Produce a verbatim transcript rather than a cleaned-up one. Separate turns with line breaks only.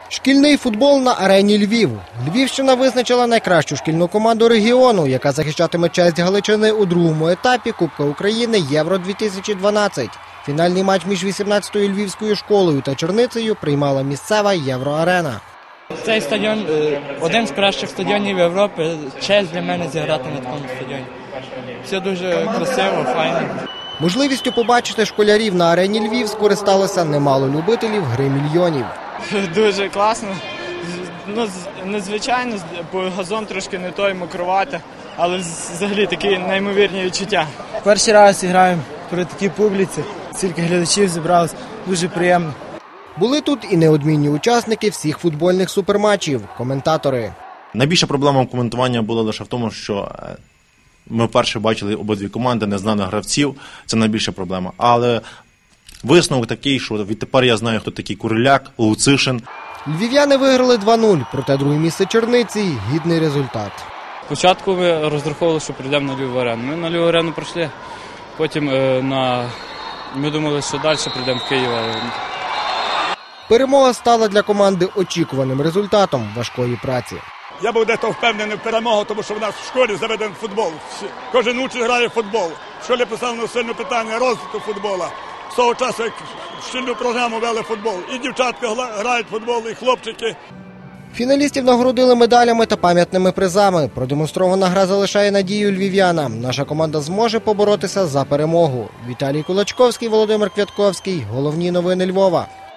Шкільний футбол на арені Львів. Львівщина визначила найкращу шкільну команду регіону, яка захищатиме честь Галичини у другому етапі Кубка України Євро дві тисячі дванадцять. Фінальний матч між вісімнадцятою львівською школою та Черницею приймала місцева Євроарена.
Цей стадіон – один з кращих стадіонів Європи. Честь для мене зіграти на такому стадіоні. Все дуже красиво, файно.
Можливістю побачити школярів на арені Львів скористалося немало любителів гри мільйонів.
Дуже класно. Ну, незвичайно, бо газон трошки не той, мокрувати, але взагалі такі неймовірні відчуття.
Перший раз граємо при такій публіці, стільки глядачів зібралось, дуже приємно.
Були тут і неодмінні учасники всіх футбольних суперматчів, коментатори.
Найбільша проблема коментування була лише в тому, що ми вперше бачили обидві команди, незнаних гравців, це найбільша проблема. Але висновок такий, що відтепер я знаю, хто такий Куриляк, Луцишин.
Львів'яни виграли два нуль, проте друге місце Черниці – гідний результат.
Спочатку ми розраховували, що прийдемо на Львів арену. Ми на Львів арену пройшли, потім е, на... ми думали, що далі прийдемо в Київ. Але...
Перемога стала для команди очікуваним результатом важкої праці.
Я був дето впевнений в перемогу, тому що в нас в школі заведений футбол. Кожен учень грає в футбол. В школі поставлено сильне питання розвитку футболу. З того часу, як шкільну програму вели футбол. І дівчатка грають в футбол, і хлопчики.
Фіналістів нагородили медалями та пам'ятними призами. Продемонстрована гра залишає надію львів'янам. Наша команда зможе поборотися за перемогу. Віталій Кулачковський, Володимир Квятковський. Головні новини Львова.